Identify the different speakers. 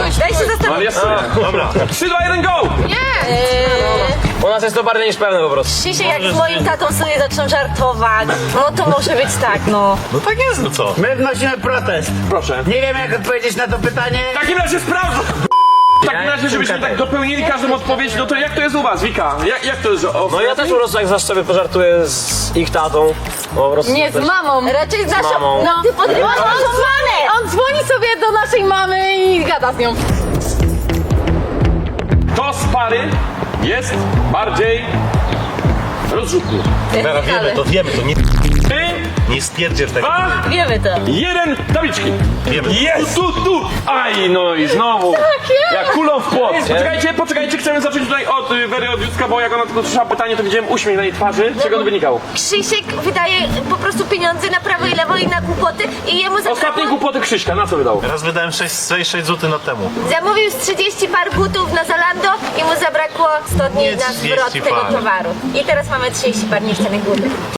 Speaker 1: Daj się
Speaker 2: No ale
Speaker 1: zastanowić.
Speaker 2: jest.
Speaker 3: Dobra.
Speaker 2: 3, 2, 1, go!
Speaker 4: U nas jest to bardziej niż pewne po prostu.
Speaker 1: Krzysiek, jak z moim tatą sobie zaczną żartować, no to może być tak, no.
Speaker 3: No tak jest, no co?
Speaker 5: My wnosimy protest.
Speaker 2: Proszę.
Speaker 5: Nie wiem jak odpowiedzieć na to pytanie.
Speaker 2: W takim razie sprawdzę. W takim razie, żebyśmy tak dopełnili każdą odpowiedź, no to jak to jest u was, Wika? Jak to jest, że...
Speaker 4: No ja też po prostu jak zawsze sobie pożartuję z ich tatą. Po prostu
Speaker 1: Nie, z
Speaker 4: też-
Speaker 1: mamą. Raczej z naszą.
Speaker 4: mamą.
Speaker 1: No, ty podrywasz naszą mamę.
Speaker 6: On dzwoni sobie do naszej mamy i gada z nią.
Speaker 2: To z pary jest bardziej rozrzutny.
Speaker 3: Teraz wiemy to,
Speaker 2: 3,
Speaker 3: nie stwierdzisz tego.
Speaker 2: 2,
Speaker 1: Wiemy to.
Speaker 2: 1, tabliczki.
Speaker 3: Wiemy.
Speaker 2: Jest! Tu! Aj, no i znowu. Jak kulą w płot. Poczekajcie, chcemy zacząć tutaj od Wery od Józka, bo jak ona tylko słyszała pytanie, to widziałem uśmiech na jej twarzy. Z czego to wynikało?
Speaker 1: Krzysiek wydaje po prostu pieniądze na prawo i lewo i na głupoty i jemu
Speaker 2: Ostatnie
Speaker 1: zabrakło...
Speaker 2: głupoty Krzyśka, na co wydał?
Speaker 3: Raz wydałem 6 zł na temu.
Speaker 1: Zamówił z 30 par butów na Zalando i mu zabrakło 100 dni
Speaker 3: Nie
Speaker 1: na
Speaker 3: 30
Speaker 1: zwrot tego
Speaker 3: par.
Speaker 1: towaru. I teraz mamy 30 par niechcianych butów.